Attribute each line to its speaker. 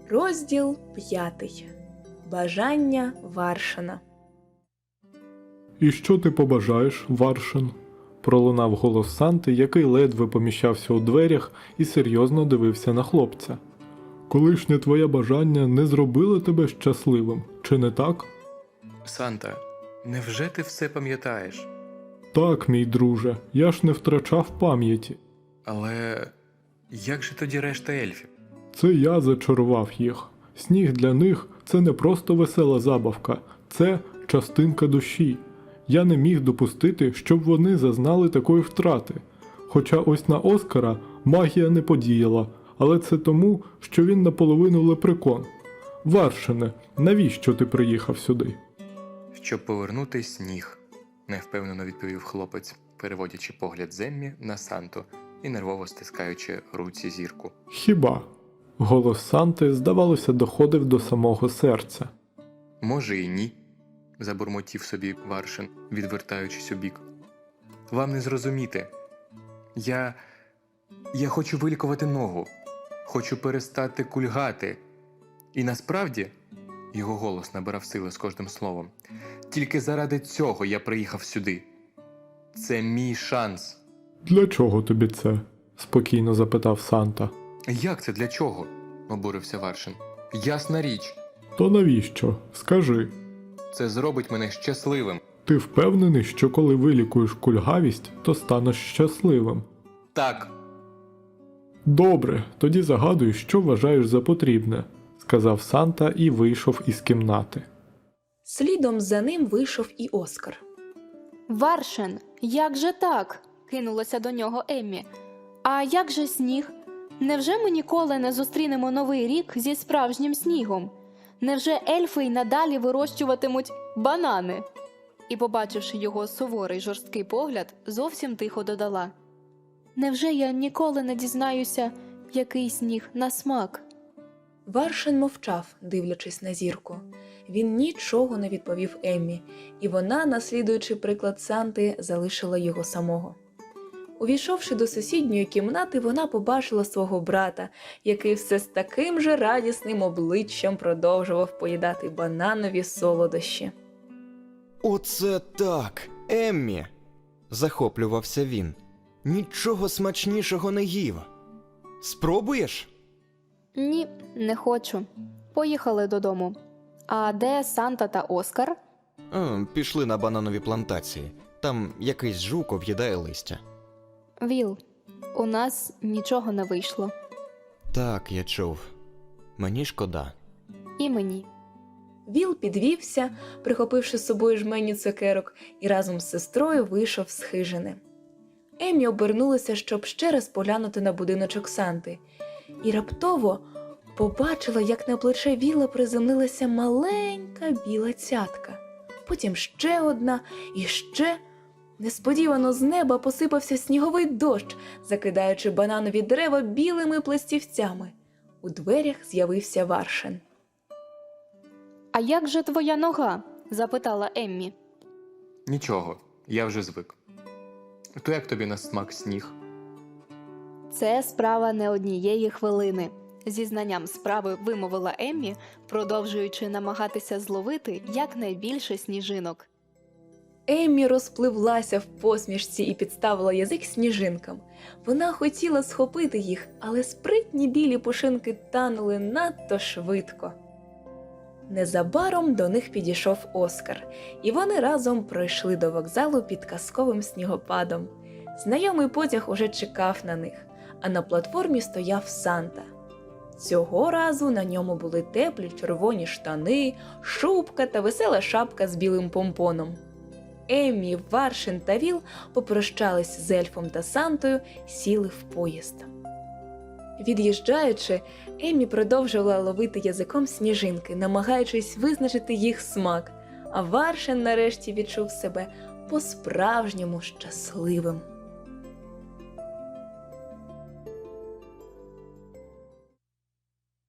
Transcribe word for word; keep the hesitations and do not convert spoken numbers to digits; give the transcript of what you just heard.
Speaker 1: Розділ п'ятий. Бажання Варшина.
Speaker 2: «І що ти побажаєш, Варшин?» – пролунав голос Санти, який ледве поміщався у дверях і серйозно дивився на хлопця. «Колишнє твоє бажання не зробило тебе щасливим, чи не так?»
Speaker 3: Санта, невже ти все пам'ятаєш?
Speaker 2: «Так, мій друже, я ж не втрачав пам'яті.
Speaker 3: Але як же тоді решта ельфів?
Speaker 2: Це я зачарував їх. Сніг для них – це не просто весела забавка, це частинка душі. Я не міг допустити, щоб вони зазнали такої втрати. Хоча ось на Оскара магія не подіяла, але це тому, що він наполовину лепрекон. Варшине, навіщо ти приїхав сюди?»
Speaker 3: Щоб повернути сніг, невпевнено відповів хлопець, переводячи погляд з Еммі на Санту і нервово стискаючи руці зірку.
Speaker 2: «Хіба?» Голос Санти, здавалося, доходив до самого серця.
Speaker 3: Може і ні, забурмотів собі Варшин, відвертаючись у бік. Вам не зрозуміти. Я... Я хочу вилікувати ногу. Хочу перестати кульгати. І насправді, його голос набирав сили з кожним словом, тільки заради цього я приїхав сюди. Це мій шанс.
Speaker 2: «Для чого тобі це?» – спокійно запитав Санта.
Speaker 3: Як це для чого? Обурився Варшин. Ясна річ.
Speaker 2: «То навіщо? Скажи.
Speaker 3: Це зробить мене щасливим.
Speaker 2: Ти впевнений, що коли вилікуєш кульгавість, то станеш щасливим?»
Speaker 3: Так.
Speaker 2: «Добре, тоді загадуй, що вважаєш за потрібне», – сказав Санта і вийшов із кімнати.
Speaker 1: Слідом за ним вийшов і Оскар.
Speaker 4: «Варшин, як же так?» – кинулася до нього Еммі. «А як же сніг? Невже ми ніколи не зустрінемо новий рік зі справжнім снігом? Невже ельфи й надалі вирощуватимуть банани?» І, побачивши його суворий жорсткий погляд, зовсім тихо додала. «Невже я ніколи не дізнаюся, який сніг на смак?»
Speaker 1: Варшин мовчав, дивлячись на зірку. Він нічого не відповів Еммі, і вона, наслідуючи приклад Санти, залишила його самого. Увійшовши до сусідньої кімнати, вона побачила свого брата, який все з таким же радісним обличчям продовжував поїдати бананові солодощі.
Speaker 5: «Оце так, Еммі!» – захоплювався він. «Нічого смачнішого не їв. Спробуєш?»
Speaker 4: «Ні, не хочу. Поїхали додому. А де Санта та Оскар?»
Speaker 5: А, пішли на бананові плантації. Там якийсь жук об'їдає листя.
Speaker 4: «Віл, у нас нічого не вийшло.
Speaker 5: Так, я чув. Мені шкода».
Speaker 4: І мені».
Speaker 1: Віл підвівся, прихопивши з собою жменю цукерок, і разом з сестрою вийшов з хижини. Еммі обернулася, щоб ще раз поглянути на будиночок Санти, і раптово побачила, як на плече Віла приземлилася маленька біла цятка. Потім ще одна і ще. Несподівано з неба посипався сніговий дощ, закидаючи бананові дерева білими пластівцями. У дверях з'явився Варшин.
Speaker 4: «А як же твоя нога?» – запитала Еммі.
Speaker 3: Нічого, я вже звик. То як тобі на смак сніг?
Speaker 4: «Це справа не однієї хвилини», – зі знанням справи вимовила Еммі, продовжуючи намагатися зловити якнайбільше сніжинок.
Speaker 1: Еммі розпливлася в посмішці і підставила язик сніжинкам. Вона хотіла схопити їх, але спритні білі пушинки танули надто швидко. Незабаром до них підійшов Оскар, і вони разом пройшли до вокзалу під казковим снігопадом. Знайомий потяг уже чекав на них, а на платформі стояв Санта. Цього разу на ньому були теплі червоні штани, шубка та весела шапка з білим помпоном. Еммі, Варшин та Віл попрощались з ельфом та Сантою, сіли в поїзд. Від'їжджаючи, Еммі продовжувала ловити язиком сніжинки, намагаючись визначити їх смак, а Варшин нарешті відчув себе по-справжньому щасливим.